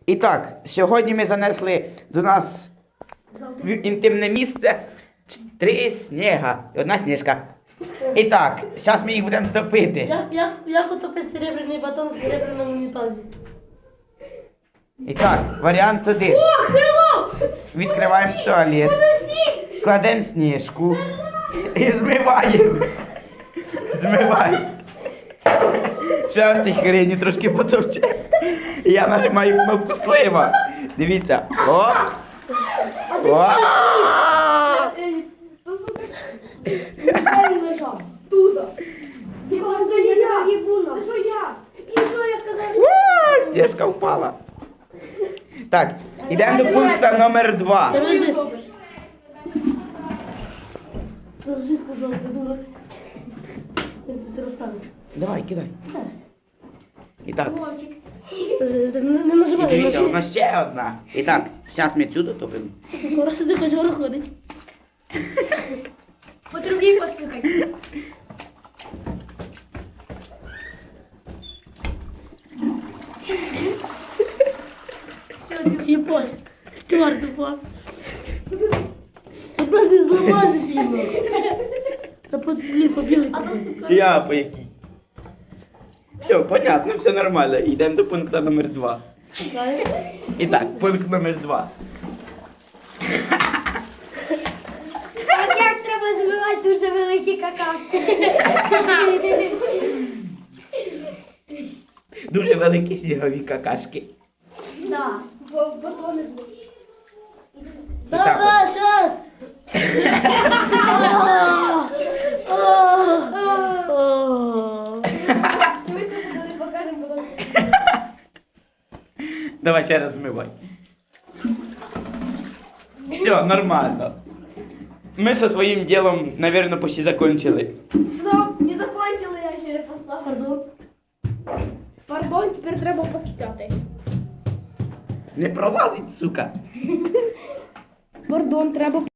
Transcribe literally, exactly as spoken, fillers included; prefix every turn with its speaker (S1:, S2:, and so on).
S1: І так, сьогодні ми занесли до нас в інтимне місце три сніга і одна сніжка. І так, зараз ми їх будемо топити.
S2: Як, як, як утопити серебряний батон в серебряному унітазі?
S1: І так, варіант один.
S3: О, хелло!
S1: Відкриваємо туалет,
S3: Подожди!
S1: кладемо сніжку і змиваємо. Змиваємо. Ще в цій хрені трошки потовче. І я нажимаю кнопку слива. Дивіться. О! О!
S3: Де він лежав? Туда. Його це не я. Це що я? І що я сказав?
S1: О, сніжка впала. Так, йдемо до пункту номер два.
S2: Подожди. Розжи сказав, ти дурак. Ти розставиш.
S1: Давай, кидай. І так.
S2: Не, не
S1: І
S2: нажимай.
S1: дивіться,
S2: не
S1: у нас ще одна. І так, зараз ми цю топимо.
S2: Скоро сюди хоч виходить.
S3: Потрібні послухай.
S2: Єпось. Чорт упав. Тепер не зламаєш його. Та по, блін, побігли.
S3: А то сука.
S1: Я по якій. Все, понятно, все нормально. Йдемо до пункту номер два. І так, пункт номер два.
S3: От як треба збивати дуже великі какавки.
S1: Дуже великі снігові какашки.
S3: Так, бо батони збив.
S2: Давай, щас.
S3: Ми це не покажемо, бо
S1: Давай ще раз змивай. Все, нормально. Ми со своїм ділом, наверное, почти закончили.
S3: Стоп, не закончили, я ще не поставив.
S2: Пардон.
S3: Пардон, тепер треба постяти.
S1: Не пролазить, сука.
S3: Пардон, треба